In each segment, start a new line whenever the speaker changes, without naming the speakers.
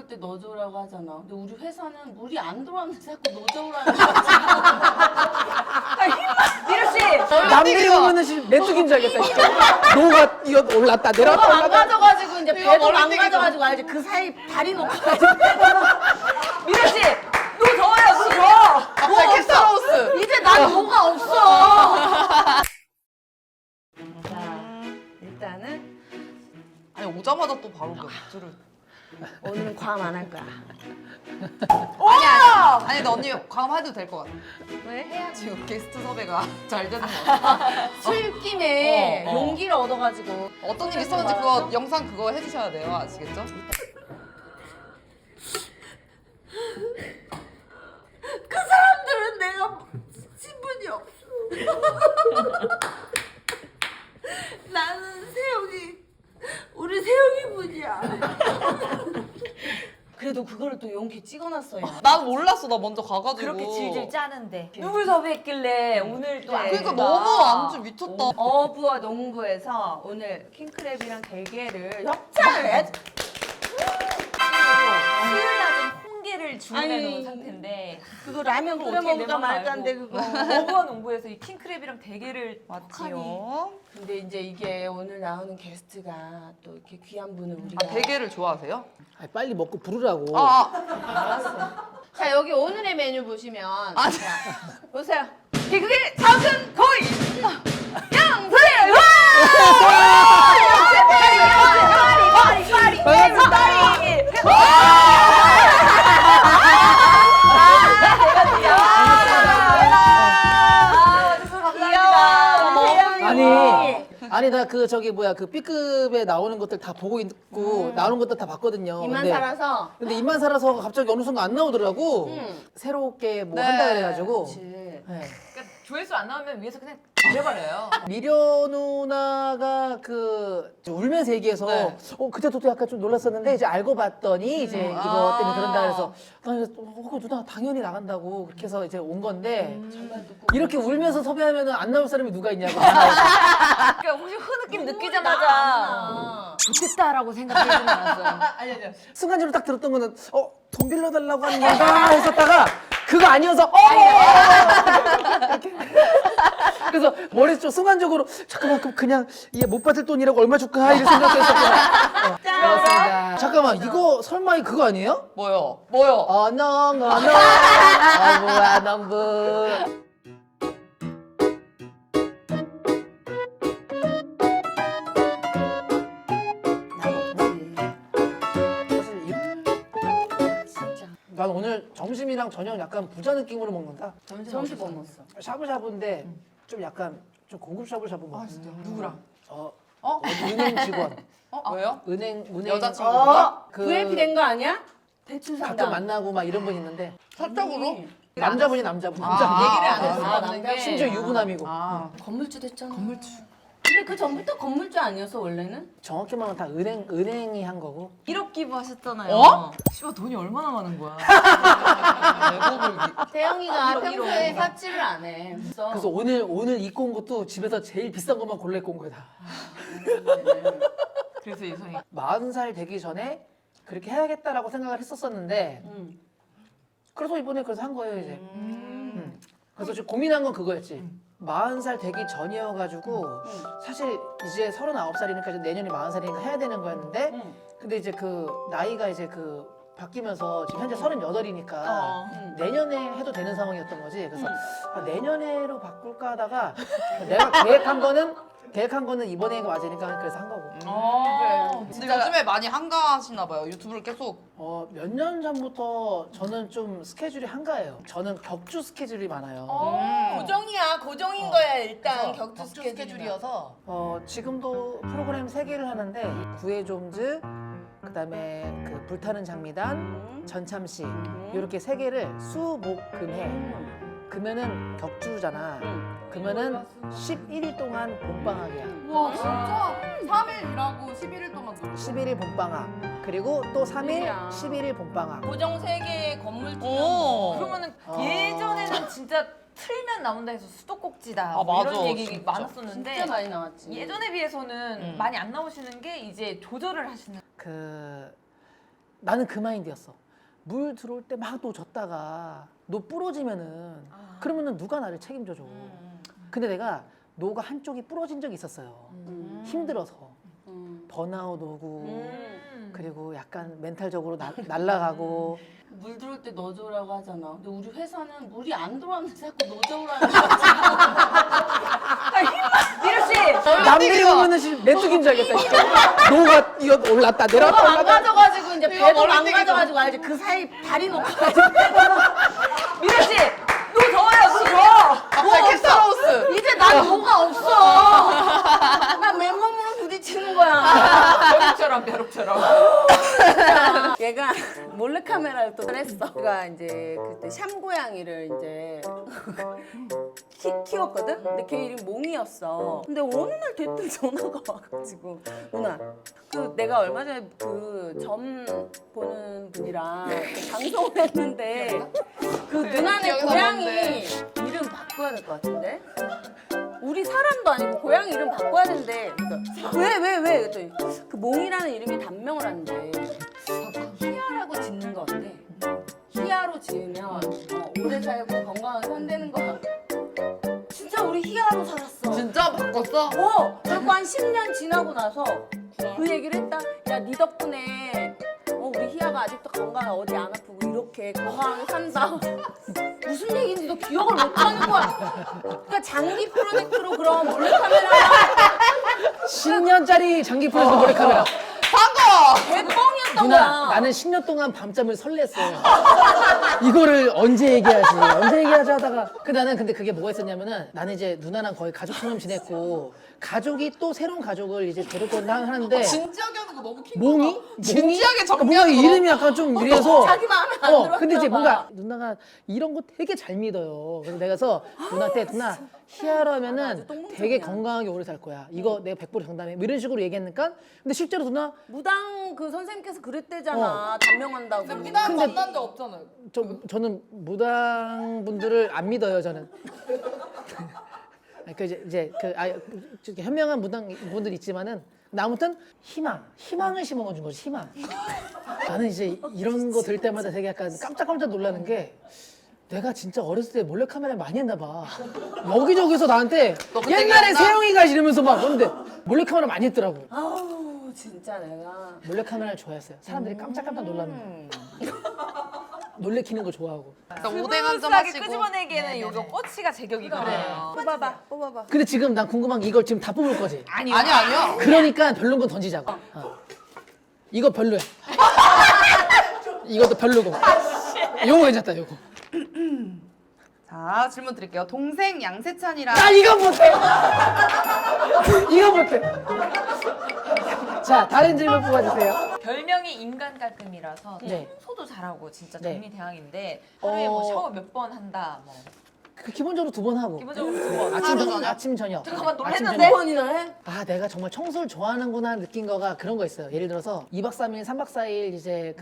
들어올 때 넣어줘라고 하잖아. 근데 우리 회사는 물이 안 들어왔는데 자꾸 넣어줘라는 거지.
미루 씨.
남들이 보면은 지금 메뚜기인 줄 알겠다. 진짜. 노가 이거 올랐다 내려왔다
배가
올랐다.
망가져가지고 이제 배도
멀리
망가져가지고 알지? 그 사이 발이 놓고가지고
미루 씨. 노 더워요. 노 더워.
갑자기 캐스터하우스.
이제 난 뭐가 없어.
자, 일단은
아니 오자마자 또 바로 그 맥주를.
오늘은 과음 안 할 거야.
아니 근데 언니 과음해도 될 것 같아.
왜 해야
지금 게스트 섭외가 잘 되는 것 같아.
술김에
어, 어.
용기를 얻어가지고
어떤 일 있었는지 그거 영상 그거 해주셔야 돼요. 아시겠죠?
그 사람들은 내가 신분이 없어. 나는 세영이, 우리 세영이 분이야. 그래도 그거를 또 용기 찍어놨어요.
난 몰랐어. 나 먼저 가가지고.
그렇게 질질 짜는데 누굴 섭외했길래 오늘 또
그러니까
애가
너무 안주 미쳤다.
어부와 농부에서 오늘 킹크랩이랑 대게를 협찬을 해. 수요일 낮은 홍게를 주문해 놓은
아니,
상태인데
그거 라면 끓여
어떻게
먹을까
내맘
말까 한데
알고.
그거.
어부와 농부에서 이 킹크랩이랑 대게를
맞지요.
근데 이제 이게 오늘 나오는 게스트가 또 이렇게 귀한 분을 우리가.
아 대게를 좋아하세요?
아니, 빨리 먹고 부르라고.
자 여기 오늘의 메뉴 보시면.
아,
자, 보세요. 개그의 작은 거인. 양수리.
아니 나 그 저기 뭐야 그 B급에 나오는 것들 다 보고 있고 나오는 것들 다 봤거든요.
입만
근데,
살아서.
근데 입만 살아서 갑자기 어느 순간 안 나오더라고. 새롭게 뭐
네.
한다 그래가지고.
그치.
네.
그러니까 조회수 안 나오면 위에서 그냥 내버려요.
미려 누나가 그 울면서 얘기해서
네.
그때도 또 약간 좀 놀랐었는데 이제 알고 봤더니 이제 이거 때문에 그런다 그래서 나 그래서 누나 당연히 나간다고 그렇게 해서 이제 온 건데 이렇게 울면서 섭외하면 안 나올 사람이 누가 있냐고.
그러니까 혹시 흐느낌 느끼자마자 좋겠다라고 생각하지는 않았어요.
순간적으로 딱 들었던 거는 돈 빌려달라고 하는 건가 했었다가 그거 아니어서 이렇게. 그래서 머릿속 순간적으로 잠깐만 그럼 그냥 얘 못 받을 돈이라고 얼마 줄까 이런 생각했었구나. 그렇습니다. 잠깐만 이거 설마 그거 아니에요?
뭐요?
어농 어부와 농부. 난 오늘 점심이랑 저녁 약간 부자 느낌으로 먹는다.
점심 뭐 먹었어?
샤브샤브인데 좀 약간 좀 고급 샤브샤브 먹었어.
아 진짜 누구랑?
은행 직원.
왜요?
은행
여자친구가?
그
VIP 된 거 아니야? 대출
가끔
상담.
만나고 막 이런 분 있는데
사적으로?
남자분이 남자분. 남자.
얘기를 안
아,
했어.
아,
없는
남자.
게.
심지어 유부남이고.
아.
건물주 됐잖아. 건물주. 근데 그 전부터 건물주 아니었어 원래는?
정확히 말하면 다 은행이 한 거고.
1억 기부하셨잖아요.
어?
씨발 돈이 얼마나 많은 거야.
대영이가 평소에 사치를 안 해.
그래서 오늘 입고 온 것도 집에서 제일 비싼 것만 골라 입고 온 거야 다.
그래서 예성이
40살 되기 전에 그렇게 해야겠다라고 생각을 했었었는데 그래서 이번에 그래서 한 거예요 이제. 그래서 지금 고민한 건 그거였지. 40살 되기 전이어가지고 사실 이제 39살이니까 이제 내년이 40살이니까 해야 되는 거였는데 근데 이제 그 나이가 이제 그 바뀌면서 지금 현재 38이니까 내년에 해도 되는 상황이었던 거지. 그래서 내년에로 바꿀까 하다가 내가 계획한 거는 이번에 맞으니까 그래서 한 거고.
근데 요즘에 많이 한가하시나 봐요. 유튜브를 계속.
몇 년 전부터 저는 좀 스케줄이 한가해요. 저는 격주 스케줄이 많아요.
고정이야. 고정인 거야 일단
그래서
격투 스케줄이어서.
지금도 프로그램 3개를 하는데 구해 좀즈, 그다음에 그 불타는 장미단, 전참시 이렇게 3개를 수, 목, 금, 해. 그러면은 격주잖아. 그러면은 11일 동안 봄방학이야.
와 진짜 3일 일하고 11일 동안 놀고.
11일 봄방학. 그리고 또 3일, 11일 봄방학.
고정 3개의 건물주.
그러면은 예전에는 진짜 틀면 나온다 해서 수도꼭지다
아,
뭐
맞아,
이런 얘기
진짜.
많았었는데
진짜 많이 나왔지.
예전에 비해서는 많이 안 나오시는 게 이제 조절을 하시는
그 나는 그 마인드였어. 물 들어올 때 막 너 졌다가 너 부러지면은 그러면은 누가 나를 책임져줘. 근데 내가 노가 한쪽이 부러진 적이 있었어요. 힘들어서 번아웃 오고 그리고 약간 멘탈적으로 날아가고
물 들어올 때 넣어줘라고 하잖아. 근데 우리 회사는 물이 안 들어왔는데 자꾸 넣어줘라는 거야.
미루 씨.
남들이 보면은 메뚜기인 줄 알겠다. 진짜. 노가 이거 올랐다 내려왔다
배도
올랐다.
망가져가지고 이제
이거
배도
머리 튀기죠.
망가져가지고 알지? 그 사이 다리 놓고가지고
미루 씨. 노 더워요. 노 더워.
갑자기 캐스터하우스.
이제 난 뭐가 없어. 난 맨몸으로 부딪히는 거야.
벼룩처럼.
얘가 몰래카메라를 또 했어. 걔가 이제 그때 샴 고양이를 이제 키웠거든? 근데 걔 이름이 몽이었어. 근데 어느 날 대뜸 전화가 와가지고 누나 그 내가 얼마 전에 그 점 보는 분이랑 그 방송을 했는데 그 누나네
기억이
고양이
나는데.
이름 바꿔야 될 것 같은데? 우리 사람도 아니고 고양이 이름 바꿔야 된대. 그러니까 왜? 그랬더니 그 몽이라는 이름이 단명을 하는데 희야라고 짓는 거 어때? 희야로 지으면 오래 살고 건강하게 산다는 거야. 진짜 우리 희야로 살았어.
진짜 바꿨어?
그리고 한 10년 지나고 나서 그 얘기를 했다. 야, 네 덕분에 우리 희야가 아직도 건강해. 어디 안 아프고 이렇게 건강하게 산다. 무슨 얘기인지도 기억을 못 하는 거야. 그러니까 장기 프로젝트로 그런 몰래카메라
10년짜리 장기 프레스 몰래카메라.
사과!
개뻥이었던
누나
거야.
나는 10년 동안 밤잠을 설렜어. 이거를 언제 얘기하지 하다가 나는 근데 그게 뭐가 있었냐면은 나는 이제 누나랑 거의 가족처럼 지냈고 가족이 또 새로운 가족을 이제 데리고 하는데
진지하게 하는 거 너무 킹.
몽이?
진지하게
뭔가
정리하는 거.
이름이 약간 좀 이래서
자기 마음에 안 들었나
근데 이제
봐.
뭔가 누나가 이런 거 되게 잘 믿어요. 그래서 내가 누나한테 누나 희야로 하면은
똥멍청이야.
되게 건강하게 오래 살 거야. 이거 내가 100% 장담해. 뭐 이런 식으로 얘기했니까 근데 실제로 누나
무당 그 선생님께서 그랬대잖아. 단명한다고.
근데 피난 만난 적 없잖아요.
저는 무당 분들을 안 믿어요. 저는. 이렇게 현명한 무당 분들 있지만은 나 아무튼 희망을 심어준 거지. 희망. 나는 이제 이런 거 들 때마다 되게 약간 깜짝깜짝 놀라는 게 내가 진짜 어렸을 때 몰래카메라 많이 했나 봐. 여기저기서 나한테
너 그때
옛날에
기억나?
세영이가 이러면서 막 그런데 몰래카메라 많이 했더라고.
아우 진짜 내가
몰래카메라를 좋아했어요. 사람들이 깜짝깜짝 놀라는 거. 놀래키는 거 좋아하고.
그러니까 오뎅 한 점
스무스하게
하시고.
끄집어내기에는 요거 꼬치가 제격이거든요.
뽑아봐.
근데 지금 난 궁금한 게 이걸 지금 다 뽑을 거지?
아니요.
그러니까 별론 건 던지자고. 이거 별로야. 이것도 별로고. 요거 괜찮다, 요거.
자, 질문 드릴게요. 동생 양세찬이랑
나 이거 못해! 이거 못해! 자, 다른 질문 뽑아주세요.
별명이 인간 깔끔이라서
네.
청소도 잘하고 진짜
네.
정리대항인데 하루에 뭐 샤워 몇 번 한다 뭐
기본적으로 2번 하고.
기본적으로 2번.
아침,
하루 저녁?
아침, 저녁.
잠깐만,
아침,
놀랬는데?
저녁.
번이나 해?
아, 내가 정말 청소를 좋아하는구나 느낀 거가 그런 거 있어요. 예를 들어서 2박 3일, 3박 4일 이제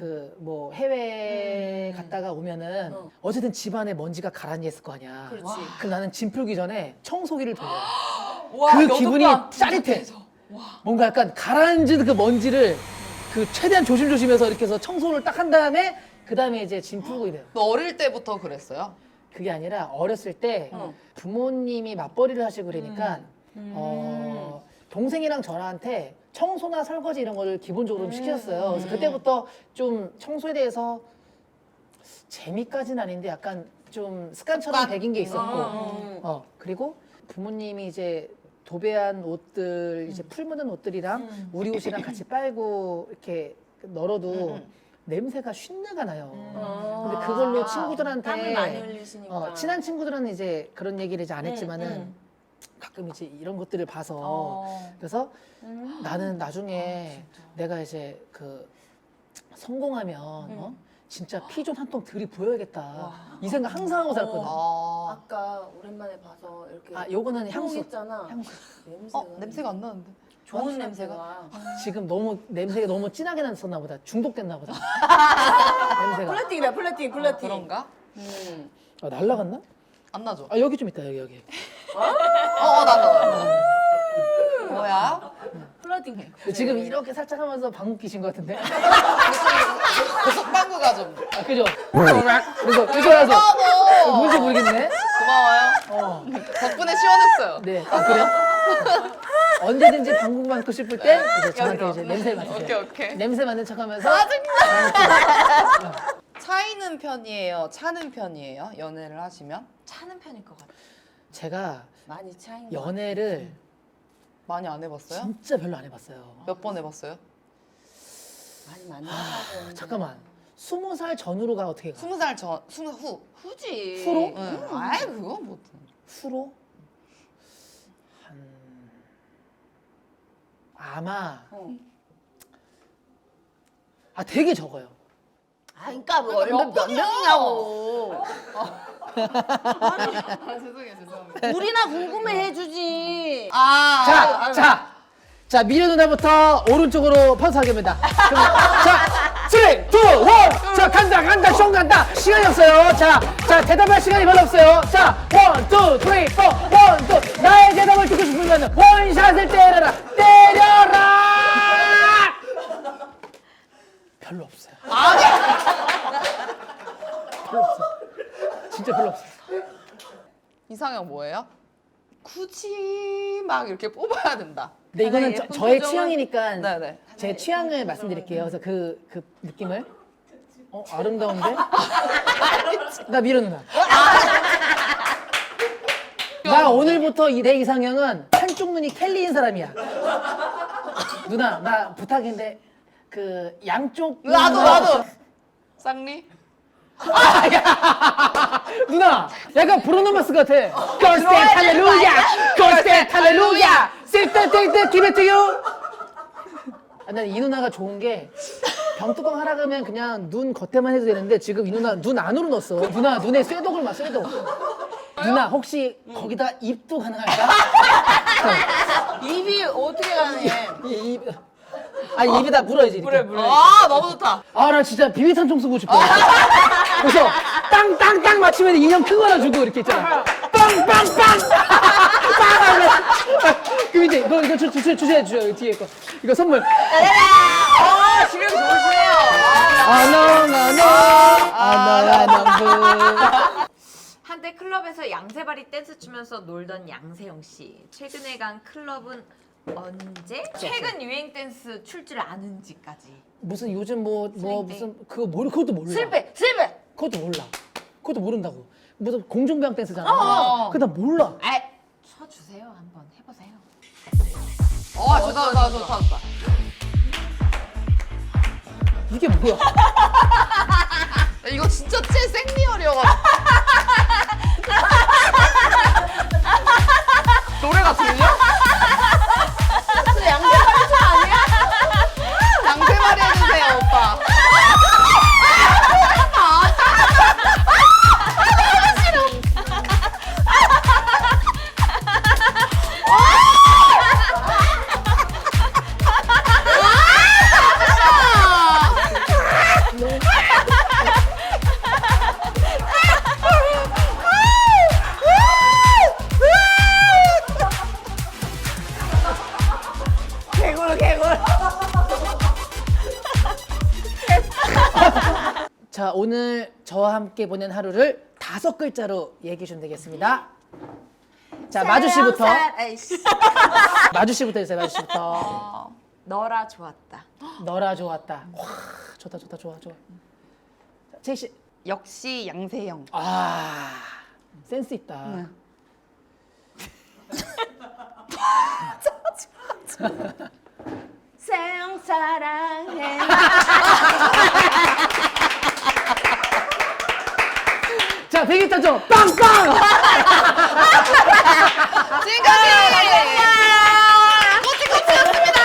해외 갔다가 오면은 어쨌든 집안에 먼지가 가라앉아 있을 거 아니야.
그렇지.
그럼 나는 짐 풀기 전에 청소기를 돌려.
와,
그
여덟
기분이
번.
짜릿해. 뭔가 약간 가라앉은 그 먼지를 최대한 조심조심해서 이렇게 해서 청소를 딱 한 다음에 그 다음에 이제 짐 풀고 이래요.
너 어릴 때부터 그랬어요?
그게 아니라 어렸을 때 부모님이 맞벌이를 하시고 그러니까 동생이랑 저한테 청소나 설거지 이런 거를 기본적으로 좀 시켰어요. 그래서 그때부터 좀 청소에 대해서 재미까지는 아닌데 약간 좀 습관처럼 배긴 게 있었고 그리고 부모님이 이제 도배한 옷들 이제 풀 묻은 옷들이랑 우리 옷이랑 같이 빨고 이렇게 널어도 냄새가 쉰내가 나요. 근데 그걸로 친구들한테
땀을 많이 흘리시니까.
친한 친구들은 이제 그런 얘기를 이제 안 했지만은 가끔 이제 이런 것들을 봐서 그래서 나는 나중에 내가 이제 성공하면 진짜 피 좀 한 통 들이부어야겠다 이 생각 항상 하고 살거든.
아까 오랜만에 봐서 이렇게
아 요거는 향수.
했잖아.
향수.
냄새가
냄새가 안 나는데.
좋은 냄새가.
지금 냄새가 너무 진하게 났었나 보다. 중독됐나 보다. 냄새가.
플래팅이다 플래팅.
그런가?
날라갔나?
안 나죠?
여기 좀 있다 여기.
나. 뭐야?
플러팅 해.
근데 지금 이렇게 살짝 하면서 방귀 끼신 것 같은데?
고속방구가 좀.
아, 그죠? 그래서 그래서 뭔지 모르겠네.
고마워요. 덕분에 시원했어요.
네. 아, 그래요? 언제든지 방귀 맡고 싶을 때 이제 저한테 이제 냄새 맡으세요.
오케이.
냄새 맡는 척하면서
차이는 편이에요? 차는 편이에요? 연애를 하시면?
차는 편일 것 같아.
제가
많이 차인 거.
연애를
많이 안 해봤어요?
진짜 별로 안 해봤어요.
몇 번 해봤어요?
많이 만나서.
잠깐만. 20살 전후로가 어떻게 가?
20살 전, 20 후.
후지.
후로?
응. 아이 그거 뭐.
후로? 아마 되게 적어요.
아, 그러니까 뭐 몇 명이냐고.
죄송해요.
우리나 궁금해 해주지.
아.
자, 미래 누나부터 오른쪽으로 퍼스하겠습니다. 자, 3, 2, 1. 자, 간다, 숑 간다. 시간이 없어요. 자, 대답할 시간이 별로 없어요. 자, 1, 2, 3, 4, 1, 2. 나의 대답을 듣고 싶으면 원샷을 때려라. 별로 없어요. 별로 없어. 진짜 별로 없어.
이상형 뭐예요? 굳이 막 이렇게 뽑아야 된다.
근데 이거는
예쁜
저의
표정은-
취향이니까
네네.
제 취향을 말씀드릴게요. 그래서 그 느낌을 아름다운데? 나 미련 누나. 나 오늘부터 내 이상형은 한쪽 눈이 켈리인 사람이야. 누나 나 부탁인데 그 양쪽
나도. 쌍리?
누나 약간 브루노마스 같아. 걸스텐 할렐루야 걸스텐 할렐루야 쓸데쓸데 기베트유. 난 이 누나가 좋은 게 병뚜껑 하라 그러면 그냥 눈 겉에만 해도 되는데 지금 이 누나 눈 안으로 넣었어. 누나 눈에 쇠독을 막 쇠독. 누나 혹시 거기다 입도 가능할까?
입이 어떻게 가능해?
아니 입에다 물어야지. 이렇게.
아 너무 좋다.
아 나 진짜 비비탄총 쓰고 싶어. 그래서 땅땅땅 맞추면 인형 큰 거 하나 주고 이렇게 있잖아. 빵빵빵. 그럼 이제 이거 주세요 뒤에 거. 이거 선물.
지금 좋으시네요.
아너나너
한때 클럽에서 양세바리 댄스 추면서 놀던 양세형 씨. 최근에 간 클럽은 언제? 최근 유행 댄스 출 줄 아는지까지.
무슨 요즘 뭐
스윙
무슨 그것도 몰라.
실패.
그것도 몰라. 그것도 모른다고. 무슨 공중부양 댄스잖아. 그거 나 몰라.
아, 쳐주세요. 한번 해보세요.
좋다.
이게 뭐야?
이거 진짜 제 생리얼이어가지고. 노래가 들려? 양세마리 해주세요, 오빠.
자 오늘 저와 함께 보낸 하루를 5글자로 얘기해 주면 되겠습니다. 자 마주 씨부터. 마주 씨부터 해주세요. 마주 씨부터.
너라 좋았다.
너라 좋았다. 와 좋다. 좋아. 자, 채희 씨.
역시 양세형.
센스 있다.
세영 사랑해.
자 대기타죠. 빵빵.
지금까지 꼬치꼬치였습니다.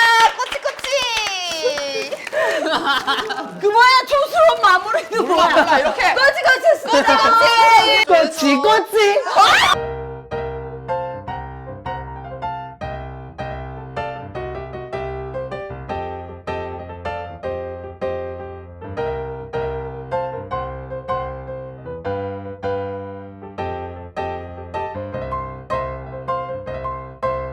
꼬치꼬치.
그 뭐야 촌스러운 마무리는 뭐야?
이렇게.
꼬치꼬치.
꼬치.